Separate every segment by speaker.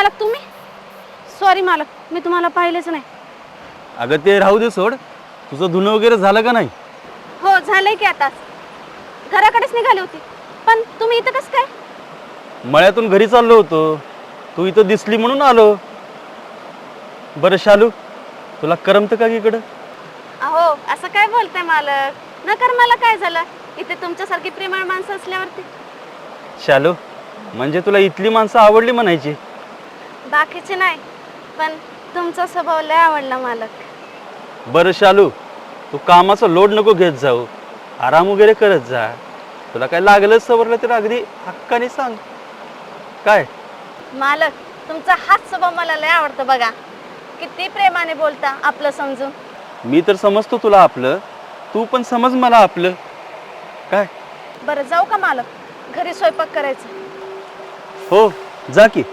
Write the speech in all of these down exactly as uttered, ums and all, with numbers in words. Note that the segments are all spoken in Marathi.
Speaker 1: मालक तुम्ही? सॉरी मालक, मी तुम्हाला पाहिलेच नाही.
Speaker 2: अगं ते राहू दे सोड. तुझं धुणं वगैरे झालं का नाही?
Speaker 1: हो झालंय की आताच. घराकडेच निघाली होती. पण तुम्ही इथं कसं काय?
Speaker 2: मळ्यातून घरी चाललो होतो. तू इथं दिसली म्हणून आलो. बरं शालू, तुला करमतं का इकडं?
Speaker 1: अहो असं काय बोलताय मालक? नकर मला काय झालं? इथे तुमच्यासारखी प्रेमळ माणसं असल्यावरती.
Speaker 2: शालू, म्हणजे तुला इथली माणसं आवडली म्हणायची?
Speaker 1: बाकीचे नाही, पण तुमचा स्वभाव लय आवडला मालक.
Speaker 2: बरं शालू, तू कामाचा लोड नको घेत जाऊ. आराम वगैरे करत जा. तुला काय लागलं सवरलं तर अगदी हक्काने सांग. काय
Speaker 1: मालक, तुमचा हाच स्वभाव मला लय आवडतो बघा. किती प्रेमाने बोलता आपलं समजून.
Speaker 2: मी तर समजतो तुला आपलं, तू पण समज मला आपलं. काय
Speaker 1: बरं जाऊ का मालक? घरी स्वयंपाक करायचं.
Speaker 2: हो, जा की.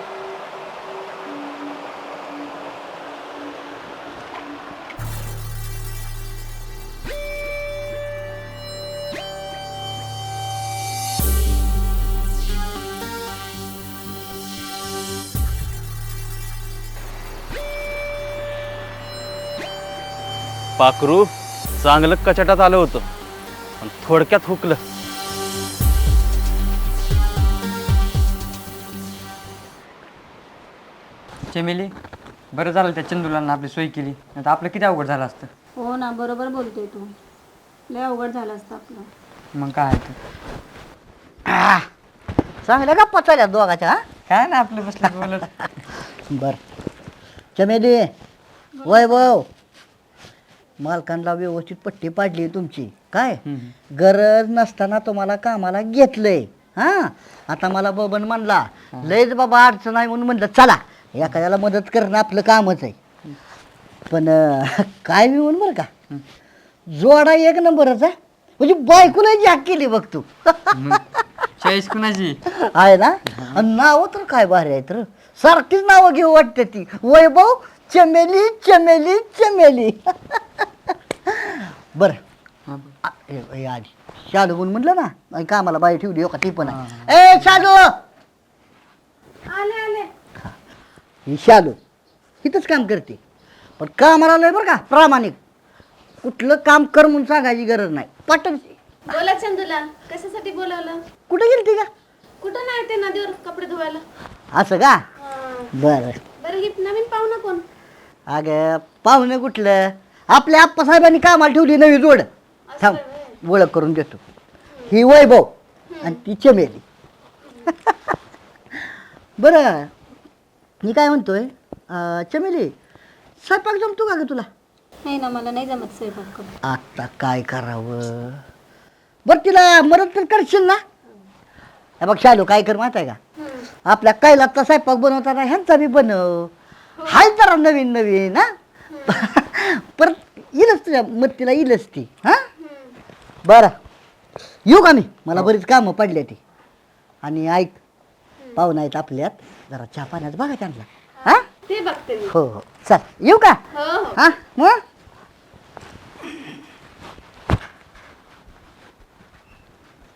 Speaker 2: पाखरू चांगलं कचाटात आलं होतं, पण थोडक्यात हुकलं.
Speaker 3: चमेली, बरं झालं त्या चंदूला आपली सोय केली, नाही तर आपलं किती अवघड झालं असतं.
Speaker 4: हो ना, बरोबर बोलतोय तू. लय अवघड झालं असतं आपलं.
Speaker 3: मग काय ते
Speaker 5: चांगल्या गप्पा चालल्या दोघाच्या. हा
Speaker 3: काय ना आपलं बसलं बोलत.
Speaker 5: बर चमेली, वैभव, मालकांना व्यवस्थित पट्टी पाडली तुमची. काय गरज नसताना तुम्हाला कामाला घेतलंय. हा आता मला बबन म्हणला लयच बाबा अडचण आहे म्हणून म्हणलं चला एखाद्याला मदत करणं आपलं कामच आहे. पण अं, काय मी म्हणून बरं का, जोडा एक नंबरच आहे. म्हणजे बायकोला जाग केली बघ तू.
Speaker 3: चाळीस कुणाची
Speaker 5: आहे ना. आणि नावं तर काय भारी आहेत र. सारखीच नावं घेऊ वाटते ती. वैभव, चमेली, चमेली, चमेली. बर आधी शालू म्हणून म्हटलं ना, आणि कामाला बाई ठेवली हो का ती पण आहे. ए शालू,
Speaker 1: आले आले.
Speaker 5: ही शालू इथंच काम करते, पण कामाला लय बरं का प्रामाणिक. कुठलं काम कर म्हणून सांगायची गरज नाही. पटन.
Speaker 1: बोला चंदूला, कशासाठी बोलवलं?
Speaker 5: कुठं गेलती का?
Speaker 1: कुठं नाही ते नदीवर कपडे धुवायला.
Speaker 5: असं का? बरं
Speaker 1: बरं ही नवीन पाहुणा कोण?
Speaker 5: अगं पाहुणे कुठलं, आपल्या आप्पासाहेबांनी कामाला ठेवली नवी जोड. थांब ओळख करून देतो. ही वैभव आणि ती चमेली. बरं मी काय म्हणतोय, अं, चमेली स्वयंपाक जमतो का ग तुला?
Speaker 4: नाही ना, मला नाही जमत स्वयंपाक करून.
Speaker 5: आता काय करावं. बरं तिला मदत तर करशील ना? हे बघ शालू, काय कर माहिती आहे का, आपल्या कैलातचा स्वयंपाक बनवताना ह्यांचा बी बनव. हाय जरा नवीन नवीन. हा परत येईलच तुझ्या मत्तीला येईलच ती. हा बरं येऊ का मी? मला बरीच कामं पडली ती. आणि ऐक, पाहुणा आहेत आपल्यात, जरा चहा पाण्यात बघा त्यांना. हा
Speaker 1: ते बघते मी.
Speaker 5: हो हो चल येऊ का?
Speaker 1: हो हो.
Speaker 5: हा मग